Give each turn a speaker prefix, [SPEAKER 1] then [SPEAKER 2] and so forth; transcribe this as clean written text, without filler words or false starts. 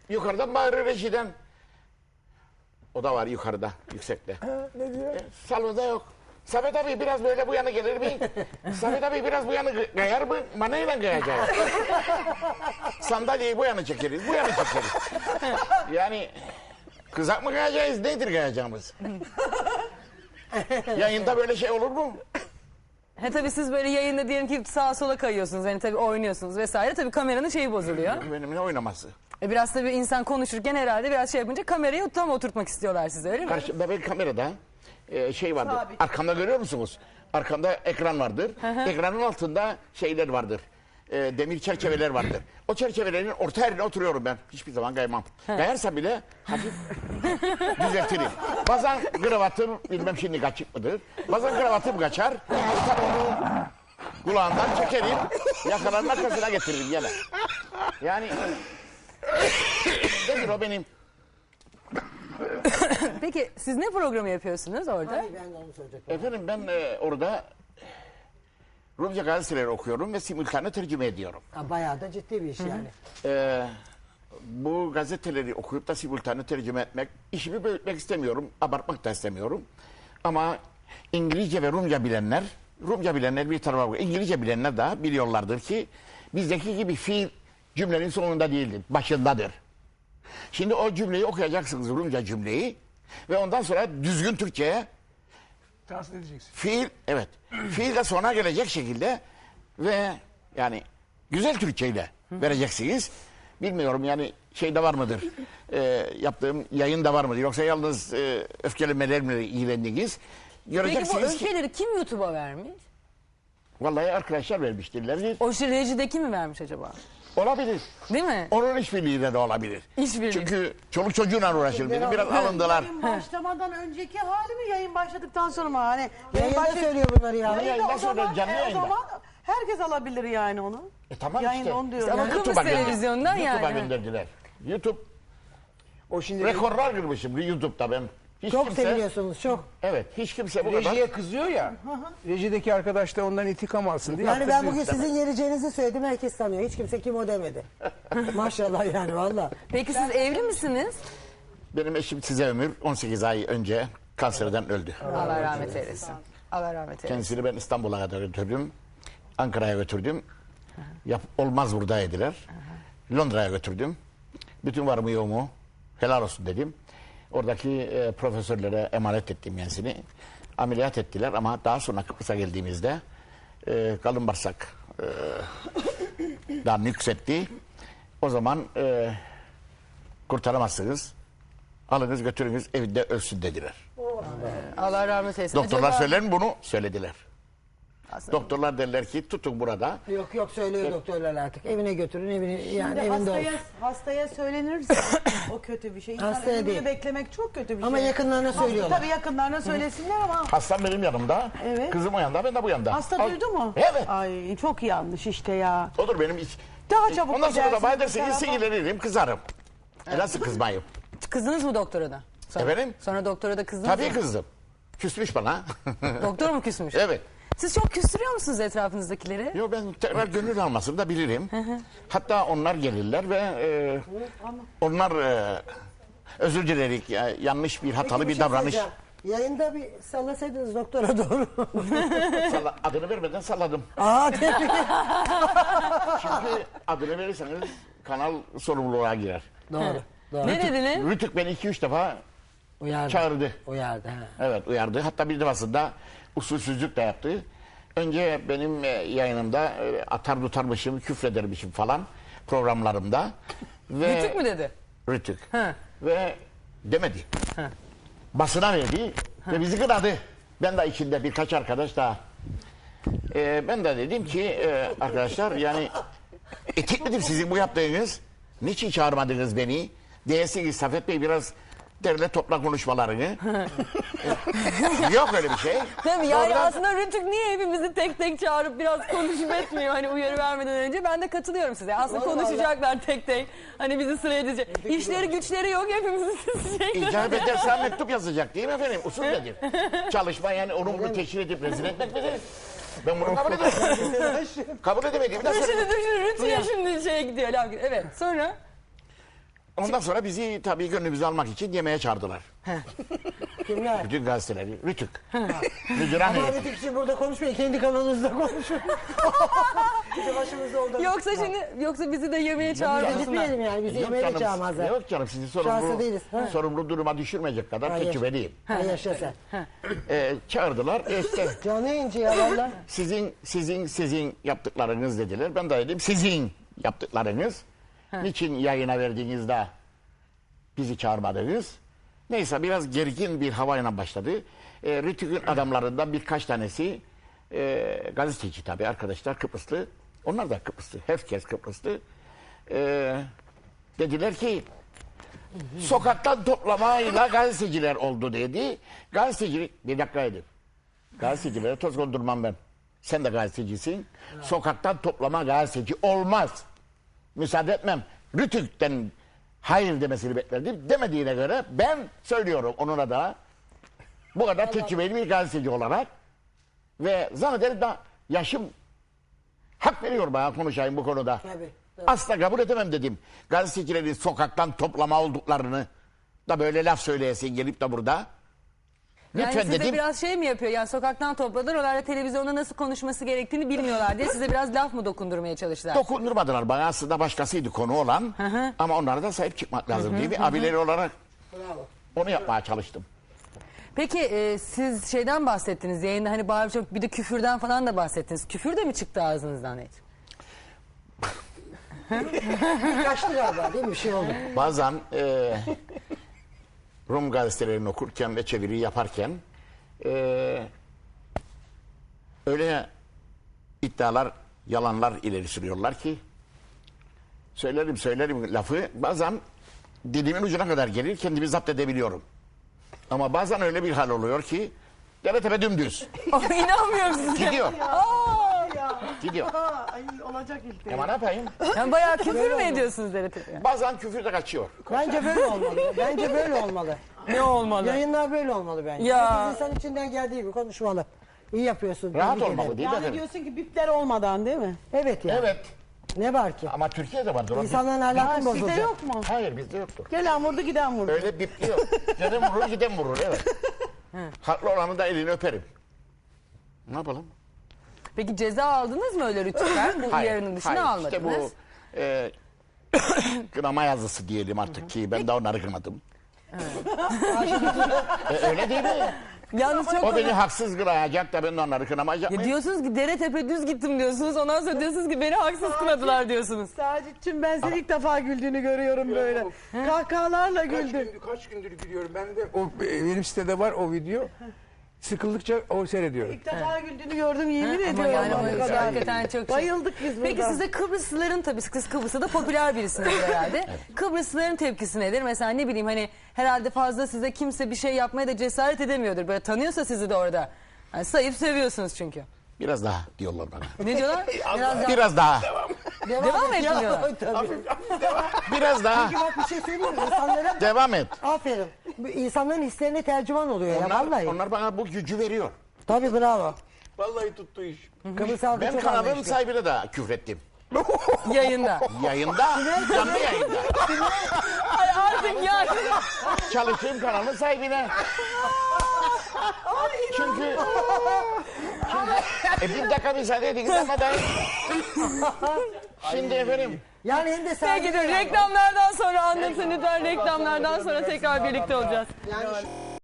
[SPEAKER 1] yukarıdan bağırır rejiden. O da var yukarıda, yüksekte.
[SPEAKER 2] Ne diyor?
[SPEAKER 1] Salonda yok. Samet abi biraz böyle bu yana gelir mi? Samet abi biraz bu yana kayar mı? Manayla kayacağız. Sandalyeyi bu yana çekeriz, bu yana çekeriz. Yani kızak mı kayacağız, nedir kayacağımız? Yayında böyle şey olur mu?
[SPEAKER 3] He tabii siz böyle yayında diyelim ki sağa sola kayıyorsunuz. Yani tabii oynuyorsunuz vesaire. Tabii kameranın şeyi bozuluyor.
[SPEAKER 1] Benimle oynaması.
[SPEAKER 3] Biraz tabii insan konuşurken herhalde biraz şey yapınca kamerayı tam oturtmak istiyorlar size öyle mi?
[SPEAKER 1] Karşımda bir kamerada şey vardır.
[SPEAKER 2] Sabit.
[SPEAKER 1] Arkamda görüyor musunuz? Arkamda ekran vardır. Ekranın altında şeyler vardır. Demir çerçeveler vardır. O çerçevelerin orta yerine oturuyorum ben. Hiçbir zaman kaymam. Kayarsam bile hafif düzeltirim. Bazen kravatım bilmem şimdi kaçık mıdır. Bazen kravatım kaçar. Tam onu kulağından çekerim. Yakalanın arkasına getiririm gene. Yani nedir o benim?
[SPEAKER 3] Peki siz ne programı yapıyorsunuz orada?
[SPEAKER 2] Ay, ben de onu söyleyecektim.
[SPEAKER 1] Efendim ben orada Rumca gazeteleri okuyorum ve simultane tercüme ediyorum.
[SPEAKER 2] Ha, bayağı da ciddi bir iş yani.
[SPEAKER 1] Bu gazeteleri okuyup da simultane tercüme etmek, işimi büyütmek istemiyorum, abartmak da istemiyorum. Ama İngilizce ve Rumca bilenler bir tarafa bakıyor. İngilizce bilenler de biliyorlardır ki bizdeki gibi fiil cümlenin sonunda değildir, başındadır. Şimdi o cümleyi okuyacaksınız, Rumca cümleyi ve ondan sonra düzgün Türkçe'ye
[SPEAKER 4] Tahsil edeceksin.
[SPEAKER 1] fiil, evet, fiil de sona gelecek şekilde ve yani güzel Türkçeyle vereceksiniz. Bilmiyorum yani şeyde var mıdır, yaptığım yayında var mıdır yoksa yalnız öfkelemelerle ilgilendiniz.
[SPEAKER 3] Peki bu
[SPEAKER 1] Göreceksiniz ki
[SPEAKER 3] öfkeleri kim YouTube'a vermiş?
[SPEAKER 1] vallahi arkadaşlar vermiştirler.
[SPEAKER 3] O şey rejideki mi vermiş acaba?
[SPEAKER 1] Olabilir.
[SPEAKER 3] Değil mi?
[SPEAKER 1] Onun işbirliğiyle de olabilir.
[SPEAKER 3] İşbirliği.
[SPEAKER 1] Çünkü çoluk çocuğuna uğraşır dedi. Biraz alındılar.
[SPEAKER 5] Yayın başlamadan önceki hali mi yayın başladıktan sonra mı? Hani
[SPEAKER 2] Yayında söylüyor bunları ya.
[SPEAKER 1] Yayında söylüyor, canlı
[SPEAKER 5] o
[SPEAKER 1] yayında.
[SPEAKER 5] zaman herkes alabilir yani onu.
[SPEAKER 1] Tamam
[SPEAKER 5] Yayında
[SPEAKER 1] işte.
[SPEAKER 5] onu diyorum.
[SPEAKER 3] Ama
[SPEAKER 5] Yani.
[SPEAKER 3] Kıbrıs
[SPEAKER 1] YouTube'a
[SPEAKER 3] televizyondan
[SPEAKER 1] YouTube'a
[SPEAKER 3] yani.
[SPEAKER 1] gönderdiler. YouTube
[SPEAKER 4] O şimdi
[SPEAKER 1] rekorlar kırmışım YouTube'da ben. Hiç
[SPEAKER 2] Çok
[SPEAKER 1] kimse,
[SPEAKER 2] seviliyorsunuz çok.
[SPEAKER 1] evet hiç kimse bu kadar.
[SPEAKER 4] rejiye kızıyor ya. Rejideki arkadaş da ondan intikam alsın diye.
[SPEAKER 2] Yani ben
[SPEAKER 4] yaptırdı.
[SPEAKER 2] bugün sizin yereceğinizi söyledim, herkes tanıyor. Hiç kimse kim o demedi. Maşallah yani valla.
[SPEAKER 3] Peki siz evli misiniz?
[SPEAKER 1] Benim eşim size ömür 18 ay önce kanserden öldü.
[SPEAKER 3] Allah rahmet eylesin. Allah rahmet eylesin.
[SPEAKER 1] Kendisini ben İstanbul'a kadar götürdüm. Ankara'ya götürdüm. Olmaz burada dediler. Londra'ya götürdüm. Bütün varımı yoğumu helal olsun dedim. Oradaki profesörlere emanet ettim kendisini. Ameliyat ettiler ama daha sonra Kıbrıs'a geldiğimizde kalın bağırsak daha nüksetti. O zaman kurtaramazsınız. Alınız götürünüz evinde ölsün dediler.
[SPEAKER 3] Allah rahmet eylesin.
[SPEAKER 1] Doktorlar
[SPEAKER 3] Acaba-
[SPEAKER 1] söyler mi bunu? Söylediler.
[SPEAKER 3] Aslında-
[SPEAKER 1] Doktorlar derler ki tutun burada.
[SPEAKER 2] Yok söylüyor doktorlar artık. Evine götürün, yani evinde olsun.
[SPEAKER 5] Hastaya söylenirse o kötü bir şey. İnsan
[SPEAKER 2] Hastaya
[SPEAKER 5] ölümünü
[SPEAKER 2] değil.
[SPEAKER 5] beklemek çok kötü bir şey.
[SPEAKER 2] Ama yakınlarına söylüyorlar.
[SPEAKER 5] Tabii yakınlarına söylesinler ama
[SPEAKER 1] Hastam benim yanımda.
[SPEAKER 5] Evet.
[SPEAKER 1] Kızım o yanda, ben de bu yanda.
[SPEAKER 5] hasta
[SPEAKER 1] Al-
[SPEAKER 5] duydu mu?
[SPEAKER 1] Evet.
[SPEAKER 5] Ay çok yanlış işte ya.
[SPEAKER 1] Odur benim iş.
[SPEAKER 5] Daha çabuk
[SPEAKER 1] Ondan sonra da
[SPEAKER 5] gidersin
[SPEAKER 1] bana
[SPEAKER 5] bu
[SPEAKER 1] dersin
[SPEAKER 5] tarafa.
[SPEAKER 1] sinirlenirim, kızarım. Nasıl kızmayayım?
[SPEAKER 3] Kızdınız mı doktora da? Sonra,
[SPEAKER 1] Efendim?
[SPEAKER 3] Sonra doktora da kızdınız
[SPEAKER 1] Tabii
[SPEAKER 3] mı?
[SPEAKER 1] kızdım. Küsmüş bana.
[SPEAKER 3] Doktor mu küsmüş?
[SPEAKER 1] Evet.
[SPEAKER 3] Siz çok küstürüyor musunuz etrafınızdakileri?
[SPEAKER 1] Yo, ben tekrar gönül almasını da bilirim. Hatta onlar gelirler ve onlar özür dilerik. Yanlış bir hatalı
[SPEAKER 2] Peki,
[SPEAKER 1] bir
[SPEAKER 2] şey
[SPEAKER 1] davranış.
[SPEAKER 2] söyleyeceğim. Yayında bir sallasaydınız doktora doğru.
[SPEAKER 1] Adını vermeden salladım.
[SPEAKER 2] Aa tebrik.
[SPEAKER 1] Çünkü adını verirseniz kanal sorumluluğa girer.
[SPEAKER 2] Doğru.
[SPEAKER 3] Ne dediniz?
[SPEAKER 1] Rütük beni 2-3 defa
[SPEAKER 2] Uyardı.
[SPEAKER 1] çağırdı.
[SPEAKER 2] Uyardı. Ha.
[SPEAKER 1] Evet uyardı. Hatta bir defasında usulsüzlük de yaptı. Önce benim yayınımda atar tutarmışım, küfredermişim falan programlarımda. Ve
[SPEAKER 3] Rütük mü dedi?
[SPEAKER 1] Rütük.
[SPEAKER 3] Ha.
[SPEAKER 1] Ve demedi. Basına verdi ve bizi kınadı. Ben de içinde birkaç arkadaş daha. Ben de dedim ki arkadaşlar yani etik midir sizin bu yaptığınız? Niçin çağırmadınız beni? Diyesiniz Safet Bey biraz derle topla konuşmalarını. Yok öyle bir şey.
[SPEAKER 3] Değil mi? Yani
[SPEAKER 1] Oradan-
[SPEAKER 3] aslında Rütük niye hepimizi tek tek çağırıp biraz konuşup etmiyor hani uyarı vermeden önce? Ben de katılıyorum size. Aslında konuşacaklar tek tek. Hani bizi sıraya dizecek. İşleri güçleri yok hepimizi sizecekler.
[SPEAKER 1] İcap edersen mektup yazacak değil mi efendim? Usul nedir? Çalışma yani onu bunu teşhir edip rezil etmek midir? Ben bunu kabul edemedim. Kabul edemediğimi de
[SPEAKER 3] Dur
[SPEAKER 1] söyledim.
[SPEAKER 3] şimdi Rütük'e şimdi şeye gidiyor. Laf gidiyor. Evet sonra
[SPEAKER 1] Ondan sonra bizi tabii gönlümüzü almak için yemeğe çağırdılar.
[SPEAKER 2] Kimler?
[SPEAKER 1] Bütün gazeteleri. Rütük. Müdüran
[SPEAKER 2] Ama
[SPEAKER 1] heyeti.
[SPEAKER 2] Rütük için burada konuşmayın. Kendi kanalınızda konuşun. Bizi başımızda oldu.
[SPEAKER 3] Yoksa bizi de yemeğe çağırmasınlar.
[SPEAKER 2] Gitmeyelim yani. Bizi yemeğe de çağırmazlar.
[SPEAKER 1] Yok canım sizi
[SPEAKER 2] Şanslı değiliz. Ha.
[SPEAKER 1] sorumlu duruma düşürmeyecek kadar
[SPEAKER 2] Hayır.
[SPEAKER 1] tecrübeliyim.
[SPEAKER 2] Ha, yaşa sen.
[SPEAKER 1] Çağırdılar. İşte
[SPEAKER 2] Canı inci ya valla.
[SPEAKER 1] sizin yaptıklarınız dediler. Ben de dedim sizin yaptıklarınız. Niçin yayına verdiğinizde bizi çağırmadınız? Neyse biraz gergin bir havayla başladı. Rütük'ün adamlarından birkaç tanesi gazeteci tabii arkadaşlar Kıbrıslı. Onlar da Kıbrıslı. Herkes Kıbrıslı. Dediler ki sokaktan toplamayla gazeteciler oldu dedi. Gazetecilik bir dakika edin. Gazetecilere toz kondurmam ben. Sen de gazetecisin. Sokaktan toplama gazeteci olmaz. Müsaade etmem. Rütük'ten hayır demesini beklerdim. Demediğine göre ben söylüyorum onuna da bu kadar tecrübeli bir gazeteci olarak ve zannederim da yaşım hak veriyor bana konuşayım bu konuda.
[SPEAKER 2] Tabii.
[SPEAKER 1] Asla kabul edemem dedim. Gazetecilerin sokaktan toplama olduklarını da böyle laf söyleyesin gelip de burada.
[SPEAKER 3] Yani
[SPEAKER 1] Lütfen
[SPEAKER 3] size
[SPEAKER 1] dedim.
[SPEAKER 3] biraz şey mi yapıyor? Yani sokaktan topladılar. Onlar da televizyonda nasıl konuşması gerektiğini bilmiyorlar diye size biraz laf mı dokundurmaya çalıştılar?
[SPEAKER 1] Dokundurmadılar bana aslında başkasıydı konu olan. Ama onlara da sahip çıkmak lazım değil mi? Abileri olarak
[SPEAKER 2] Bravo.
[SPEAKER 1] onu yapmaya çalıştım.
[SPEAKER 3] Peki siz şeyden bahsettiniz yayında hani bağırıp çok bir de küfürden falan da bahsettiniz. Küfür de mi çıktı ağzınızdan hiç?
[SPEAKER 2] Kaçtı galiba değil mi? Bir şey oldu.
[SPEAKER 1] Bazen Rum gazetelerini okurken ve çeviri yaparken öyle iddialar, yalanlar ileri sürüyorlar ki söylerim lafı bazen dilimin ucuna kadar gelir kendimi zapt edebiliyorum. Ama bazen öyle bir hal oluyor ki deve tepe dümdüz.
[SPEAKER 3] İnanmıyorum size.
[SPEAKER 1] Gidiyor.
[SPEAKER 5] Ya.
[SPEAKER 1] Gidiyor.
[SPEAKER 5] Ay, olacak işte.
[SPEAKER 1] Ama ne yapayım?
[SPEAKER 3] Yani bayağı küfür mü ediyorsunuz Demet Hanım?
[SPEAKER 1] Bazen küfür de kaçıyor.
[SPEAKER 2] Bence böyle olmalı. Bence böyle olmalı.
[SPEAKER 3] Ne olmalı?
[SPEAKER 2] Yayınlar böyle olmalı bence.
[SPEAKER 3] Ya.
[SPEAKER 2] Herkes insan içinden geldiği gibi konuşmalı. İyi yapıyorsun.
[SPEAKER 1] Rahat
[SPEAKER 2] tebrik
[SPEAKER 1] olmalı
[SPEAKER 2] ederim.
[SPEAKER 1] değil mi
[SPEAKER 5] Yani
[SPEAKER 1] efendim?
[SPEAKER 5] diyorsun ki bipler olmadan değil mi?
[SPEAKER 2] Evet ya.
[SPEAKER 1] Evet.
[SPEAKER 2] Ne var ki?
[SPEAKER 1] Ama Türkiye'de vardır. o
[SPEAKER 2] İnsanların
[SPEAKER 5] Ha,
[SPEAKER 2] ahlakı
[SPEAKER 5] sizde
[SPEAKER 2] bozulacak.
[SPEAKER 5] yok mu?
[SPEAKER 1] Hayır bizde yoktur.
[SPEAKER 5] Gelen vurdu giden vurdu.
[SPEAKER 1] Öyle bipliyor. Giden vurur giden vurur evet. Haklı olanı da elini öperim. Ne yapalım?
[SPEAKER 3] Peki ceza aldınız mı öyle rütükten? Bu uyarının dışına almadınız.
[SPEAKER 1] İşte bu kınama yazısı diyelim artık ki ben de onları kınadım. Öyle değil mi?
[SPEAKER 3] Yalnız çok
[SPEAKER 1] O beni haksız kınayacak da ben de onları kınamayacak
[SPEAKER 3] Ya
[SPEAKER 1] mıyım?
[SPEAKER 3] diyorsunuz ki dere tepe düz gittim diyorsunuz. Ondan sonra diyorsunuz ki beni haksız kınadılar diyorsunuz.
[SPEAKER 5] Sacit'cim ben seni ilk defa güldüğünü görüyorum böyle. Kahkahalarla güldün.
[SPEAKER 4] Kaç gündür gülüyorum. Ben de benim sitede var o video. Sıkıldıkça o seyrediyorum.
[SPEAKER 5] İlk defa güldüğünü gördüm yemin
[SPEAKER 3] Ama
[SPEAKER 5] ediyorum.
[SPEAKER 3] yani
[SPEAKER 5] o
[SPEAKER 3] o
[SPEAKER 5] kadar.
[SPEAKER 3] hakikaten çok şey.
[SPEAKER 5] Bayıldık biz burada.
[SPEAKER 3] Peki size Kıbrıslıların tabii siz Kıbrıs'ta da popüler birisiniz herhalde. Kıbrıslıların tepkisi nedir? Mesela ne bileyim hani herhalde fazla size kimse bir şey yapmaya da cesaret edemiyordur. Böyle tanıyorsa sizi de orada. Yani sayıp seviyorsunuz çünkü.
[SPEAKER 1] Biraz daha diyorlar bana.
[SPEAKER 3] Ne diyorlar?
[SPEAKER 1] Biraz daha.
[SPEAKER 3] Devam et diyorlar.
[SPEAKER 2] Tabii.
[SPEAKER 1] Biraz daha.
[SPEAKER 2] Peki bak bir şey söyleyeyim mi? İnsanlara
[SPEAKER 1] Devam et.
[SPEAKER 2] aferin. Bu insanların hislerine tercüman oluyor ya vallahi.
[SPEAKER 1] Onlar bana bu gücü veriyor.
[SPEAKER 2] Tabii bravo.
[SPEAKER 1] Vallahi tuttu iş.
[SPEAKER 2] Kıbrıs halkı
[SPEAKER 1] Ben
[SPEAKER 2] çok
[SPEAKER 1] kanalın
[SPEAKER 2] anlayışlı.
[SPEAKER 1] sahibine de küfrettim.
[SPEAKER 3] Yayında.
[SPEAKER 1] Yayında, canlı yayında.
[SPEAKER 3] Ay artık yani.
[SPEAKER 1] Çalıştığım kanalın sahibine. Çünkü bir dakika müsaade edin ama da şimdi efendim
[SPEAKER 2] Yani hem de
[SPEAKER 3] Peki
[SPEAKER 2] saygı.
[SPEAKER 3] dur reklamlardan sonra anlatın lütfen. Reklamlardan sonra tekrar birlikte olacağız.
[SPEAKER 2] Yani şu